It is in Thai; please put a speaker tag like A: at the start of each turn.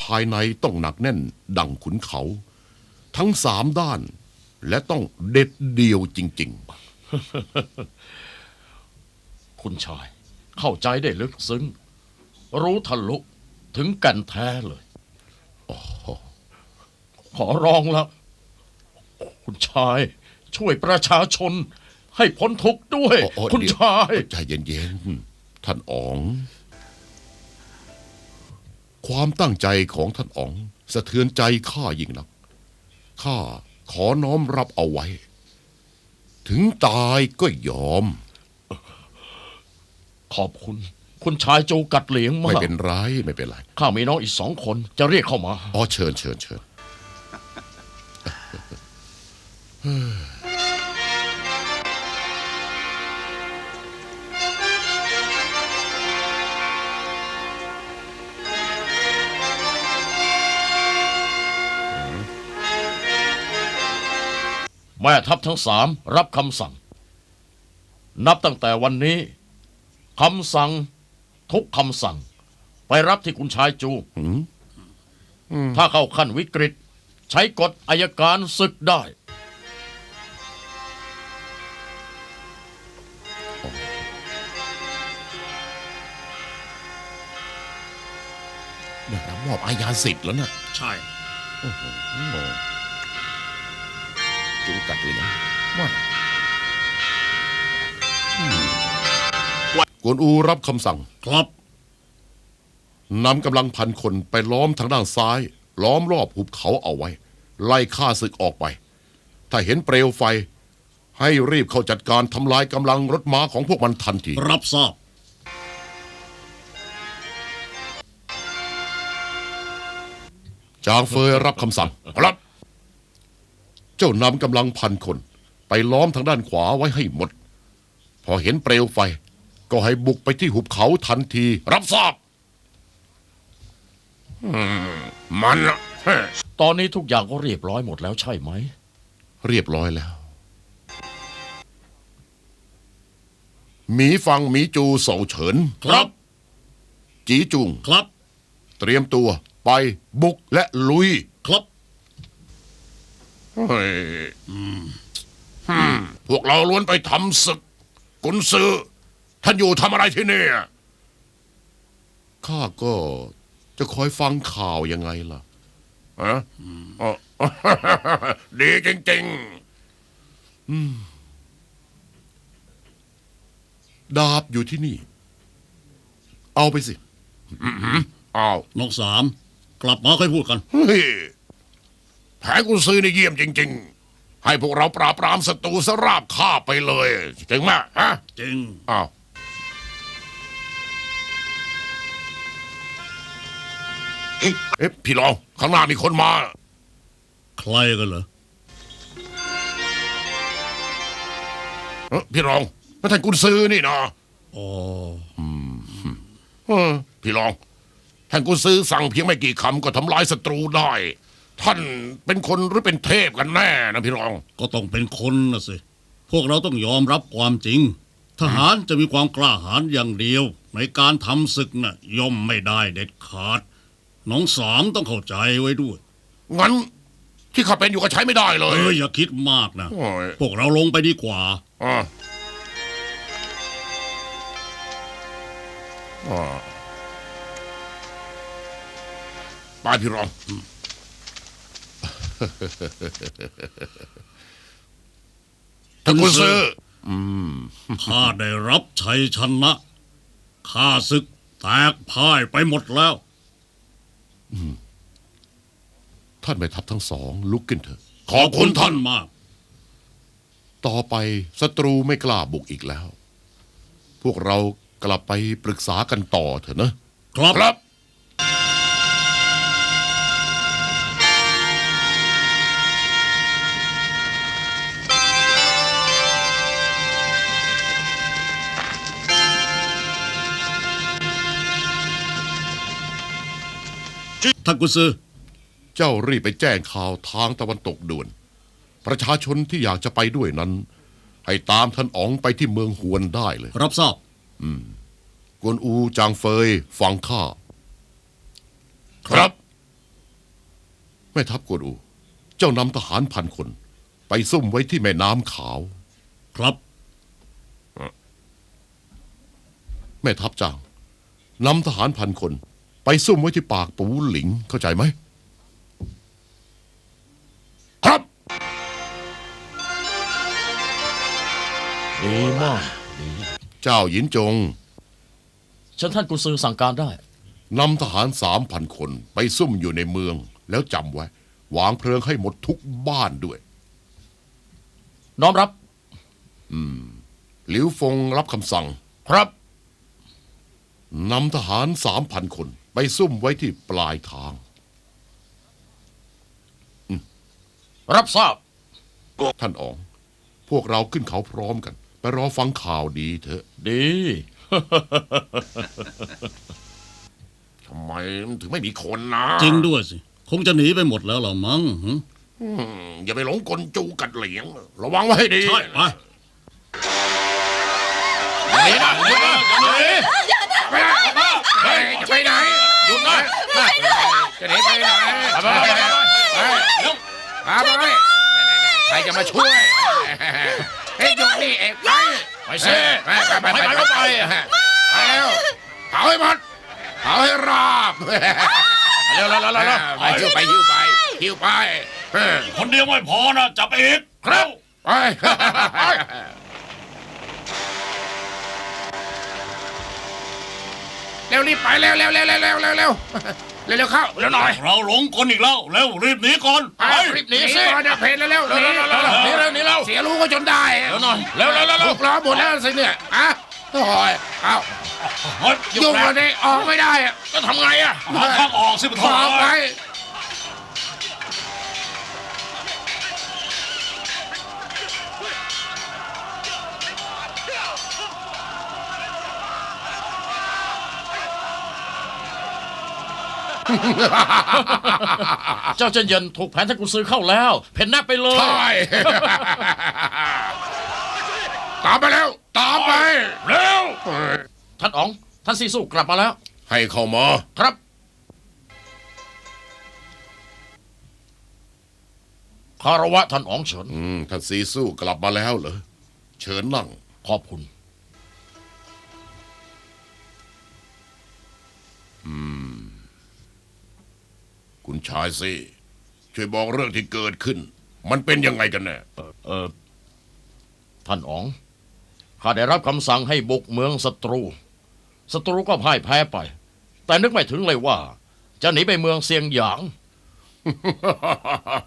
A: ายในต้องหนักแน่นดังขุนเขาทั้ง3 ด้านและต้องเด็ดเดี่ยวจริง
B: ๆคุณชายเข้าใจได้ลึกซึ้งรู้ทะลุถึงกันแท้เลยขอร้องละคุณชายช่วยประชาชนให้พ้นทุกข์ด้วยคุณชาย
A: ใจเย็นๆท่านอ๋องความตั้งใจของท่านอ๋องสะเทือนใจข้ายิ่งนักข้าขอน้อมรับเอาไว้ถึงตายก็ยอม
B: ขอบคุณคุณชายโจกัดเหลียงมาก
A: ไม่เป็นไรไม่เป็นไร
B: ข้ามีน้องอีก2 คนจะเรียกเข้ามา
A: เชิญ
B: แม่ทัพทั้ง3รับคำสั่งนับตั้งแต่วันนี้คำสั่งทุกคำสั่งไปรับที่คุณชายจูถ้าเข้าขั้นวิกฤตใช้กฎอัยการศึกได้
A: ได้รับมอบอาญาสิทธิ์แล้วนะ
B: ใช่
A: จูกัดเลยนะว่ากวนอูรับคำสั่ง
B: ครับ
A: นำกำลัง1,000 คนไปล้อมทางด้านซ้ายล้อมรอบหุบเขาเอาไว้ไล่ฆ่าศึกออกไปถ้าเห็นเปลวไฟให้รีบเข้าจัดการทำลายกำลังรถม้าของพวกมันทันที
B: รับทราบ
A: จางเฟยรับคำสั่งครับเจ้านำกำลัง1,000 คนไปล้อมทางด้านขวาไว้ให้หมดพอเห็นเปลวไฟก็ให้บุกไปที่หุบเขาทันทีรับทราบมัน
B: ตอนนี้ทุกอย่างก็เรียบร้อยหมดแล้วใช่ไหม
A: เรียบร้อยแล้วหมีฟังหมีจูเสาเฉิน
B: ครับ
A: จีจุง
B: ครับ
A: เตรียมตัวไปบุกและลุย
B: ครับ
A: พวกเราล้วนไปทำศึกกุนซือท่านอยู่ทำอะไรที่นี่ข้าก็จะคอยฟังข่าวยังไงล่ะดีจริงๆดาบอยู่ที่นี่เอาไปสิเอา
B: น้อง3กลับมาค่อยพูดกัน
A: แผนกุนซือนี่เยี่ยมจริงๆให้พวกเราปราบปรามศัตรูสราบฆ่าไปเลยจริงไหม
B: จริง
A: อ้าวเอ๊ะพี่รองข้างหน้ามีคนมา
B: ใครกันเหรอ
A: พี่รองท่านกุนซือนี่นะพี่รองท่านกุนซือสั่งเพียงไม่กี่คำก็ทำลายศัตรูได้ท่านเป็นคนหรือเป็นเทพกันแน่นะพี่รอง
B: ก็ต้องเป็นคนนะสิพวกเราต้องยอมรับความจริงทหารจะมีความกล้าหาญอย่างเดียวในการทำศึกน่ะย่อมไม่ได้เด็ดขาดน้อง3ต้องเข้าใจไว้ด้วย
A: งั้นที่ข้าเป็นอยู่ก็ใช้ไม่ได้เลย
B: อย่าคิดมากนะพวกเราลงไปดีกว่า
A: ไปพี่รองท่านกุนซือ
B: ข้าได้รับชัยชนะข้าศึกแตกพ่ายไปหมดแล้ว
A: ท่านแม่ทัพทั้ง2ลุกขึ้นเถอะ
B: ขอบคุณท่านมาก
A: ต่อไปศัตรูไม่กล้าบุกอีกแล้วพวกเรากลับไปปรึกษากันต่อเถอะนะครับ
B: ท่านกุนซือ
A: เจ้ารีบไปแจ้งข่าวทางตะวันตกด่วนประชาชนที่อยากจะไปด้วยนั้นให้ตามท่านอ๋องไปที่เมืองฮวนได้เลย
B: รับทราบ
A: กวนอูจางเฟยฟังข้าครับแม่ทัพกวนอู เจ้านำทหาร1,000 คน ไปซุ่มไว้ที่แม่น้ำขาว
C: ครับ
A: แม่ทัพจางนำทหาร1,000 คน ไปซุ่มไว้ที่ปากปูหลิงเข้าใจไหม ครับ
B: ดีมาก
A: เจ้าหยินจง
B: เชิญท่านกุนซือสั่งการได้
A: นำทหาร 3,000 คนไปซุ่มอยู่ในเมือง แล้วจำไว้ วางเพลิงให้หมดทุกบ้านด้วย
B: น้อมรับ
A: หลิวฟงรับคำสั่ง
B: ครับ
A: นำทหาร 3,000 คน ไปซุ่มไว้ที่ปลายทาง
B: รับทราบ
A: ท่านอ๋อง พวกเราขึ้นเขาพร้อมกัน ไปรอฟังข่าวดีเถอะ
B: ดี
A: ทำไมมันถึงไม่มีคนนะ
C: จริงด้วยสิ คงจะหนีไปหมดแล้วล่ะมั้งหึ
A: อย่าไปหลงกลจูกัดเหลียง ระวังไว้ให้ดี
C: ใช่ไป
B: หนีนะหนีนะหนี
A: ไปไหนจะไปไหน
B: หยุดนะ
A: จะหนีไปไหน
B: ไป
A: พาไปใครจะมาช่วยเฮ้ยหยุดนี่เอกไป
B: ไปสิ
A: ไป
B: ไปก็ไป
A: ไปแล้วเผาให้หมดเผาให้ราบ
B: เร็วๆๆ
A: ไปหิ้วไปหิ้วไปหิ้วไป
C: คนเดียวไม่พอนะ จับอีก
B: ครับ
A: ไปเร็วรีบไปเร็วเร็วเร็วเร็วเร็วเร็วเร็วเร็วเข้าเร็วหน่อย
C: เราหลงกลอีกแล้ว เร็วรีบหนีก่อน
A: ไปรีบหนีสิก่อนจะเพลนเร็วหนี
B: หนีเร็วหนีเร็ว
A: เสียรู้ก็จนได้
B: เร็วหน่อยเร็วๆ
A: ถูกล้อหมดแล้วสิเนี่ยอ่ะโอ้ยเอ้ายุ่งกันเองออกไม่ได้อะ
B: ก็ทำไงอ่ะ
C: หาทางออกสิปะ
A: ออกไป
B: เจ้าเจนเย็นถูกแผนท่านกุนซือเข้าแล้ว เพ่นหน้าไปเลย
A: ใช่ ตามไปแล้ว ตามไป
B: เร็ว ท่านอ๋อง ท่านซีสู้กลับมาแล้ว
A: ให้เข้ามา
B: ครับ คารวะท่านอ๋องเฉิน
A: ท่านซีสู้กลับมาแล้วเหรอ เชิญนั่ง
B: ขอบคุณ
A: คุณชายสิช่วยบอกเรื่องที่เกิดขึ้น มันเป็นยังไงกันแน่
B: ท่านอ๋อง ข้าได้รับคำสั่งให้บุกเมืองศัตรู ศัตรูก็พ่ายแพ้ไป แต่นึกไม่ถึงเลยว่า จะหนีไปเมืองเซียงหยาง